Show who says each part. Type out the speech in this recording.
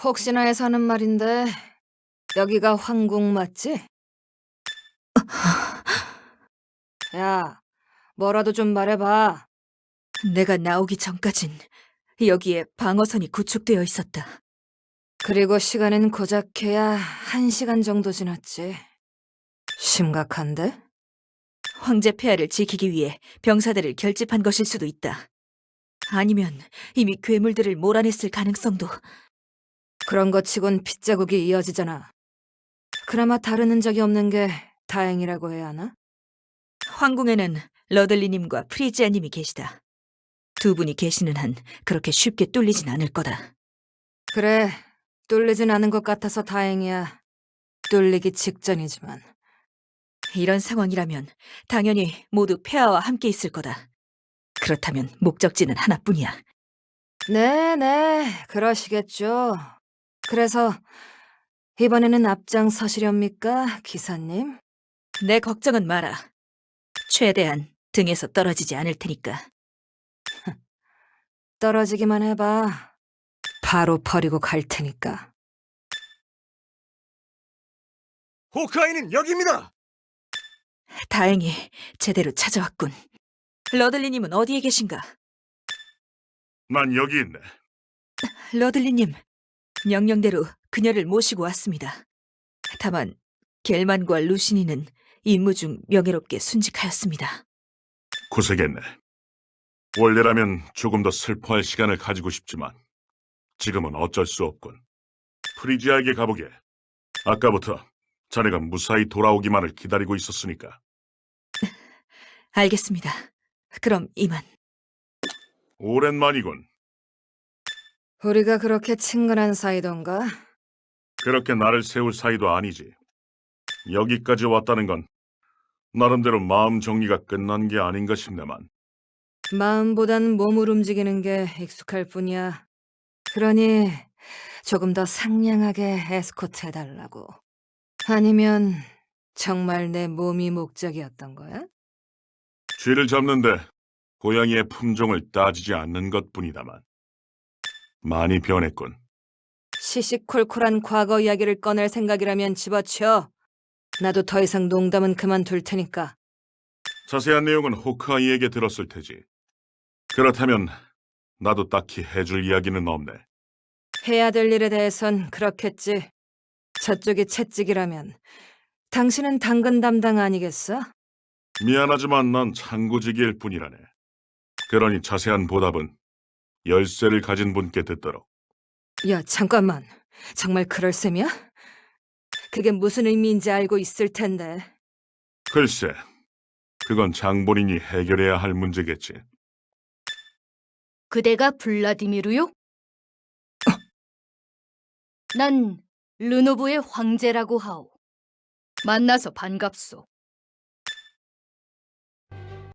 Speaker 1: 혹시나 해서 하는 말인데 여기가 황궁 맞지? 야, 뭐라도 좀 말해봐.
Speaker 2: 내가 나오기 전까진 여기에 방어선이 구축되어 있었다.
Speaker 1: 그리고 시간은 고작해야 1시간 정도 지났지. 심각한데?
Speaker 2: 황제 폐하를 지키기 위해 병사들을 결집한 것일 수도 있다. 아니면 이미 괴물들을 몰아냈을 가능성도.
Speaker 1: 그런 것 치곤 핏자국이 이어지잖아. 그나마 다른 흔적이 없는 게 다행이라고 해야 하나?
Speaker 2: 황궁에는 러들리님과 프리지아님이 계시다. 두 분이 계시는 한 그렇게 쉽게 뚫리진 않을 거다.
Speaker 1: 그래, 뚫리진 않은 것 같아서 다행이야. 뚫리기 직전이지만.
Speaker 2: 이런 상황이라면 당연히 모두 폐하와 함께 있을 거다. 그렇다면 목적지는 하나뿐이야.
Speaker 1: 네네, 그러시겠죠. 그래서 이번에는 앞장서시렵니까, 기사님?
Speaker 2: 내 걱정은 마라. 최대한 등에서 떨어지지 않을 테니까.
Speaker 1: 떨어지기만 해봐. 바로 버리고 갈 테니까.
Speaker 3: 호크아이는 여기입니다!
Speaker 2: 다행히 제대로 찾아왔군. 러들리님은 어디에 계신가?
Speaker 3: 난 여기 있네.
Speaker 2: 러들리님, 명령대로 그녀를 모시고 왔습니다. 다만 겔만과 루시니는 임무 중 명예롭게 순직하였습니다.
Speaker 3: 고생했네. 원래라면 조금 더 슬퍼할 시간을 가지고 싶지만 지금은 어쩔 수 없군. 프리지아에게 가보게. 아까부터 자네가 무사히 돌아오기만을 기다리고 있었으니까.
Speaker 2: 알겠습니다. 그럼 이만.
Speaker 3: 오랜만이군.
Speaker 1: 우리가 그렇게 친근한 사이던가?
Speaker 3: 그렇게 나를 세울 사이도 아니지. 여기까지 왔다는 건 나름대로 마음 정리가 끝난 게 아닌가 싶네만.
Speaker 1: 마음보단 몸을 움직이는 게 익숙할 뿐이야. 그러니 조금 더 상냥하게 에스코트 해달라고. 아니면 정말 내 몸이 목적이었던 거야?
Speaker 3: 쥐를 잡는데 고양이의 품종을 따지지 않는 것뿐이다만. 많이 변했군.
Speaker 1: 시시콜콜한 과거 이야기를 꺼낼 생각이라면 집어치워. 나도 더 이상 농담은 그만둘 테니까.
Speaker 3: 자세한 내용은 호크아이에게 들었을 테지. 그렇다면 나도 딱히 해줄 이야기는 없네.
Speaker 1: 해야 될 일에 대해선 그렇겠지. 저쪽이 채찍이라면 당신은 당근 담당 아니겠어?
Speaker 3: 미안하지만 난 창구직일 뿐이라네. 그러니 자세한 보답은 열쇠를 가진 분께 듣도록.
Speaker 1: 야, 잠깐만. 정말 그럴 셈이야? 그게 무슨 의미인지 알고 있을 텐데.
Speaker 3: 글쎄, 그건 장본인이 해결해야 할 문제겠지.
Speaker 4: 그대가 블라디미르요? 난 르노브의 황제라고 하오. 만나서 반갑소.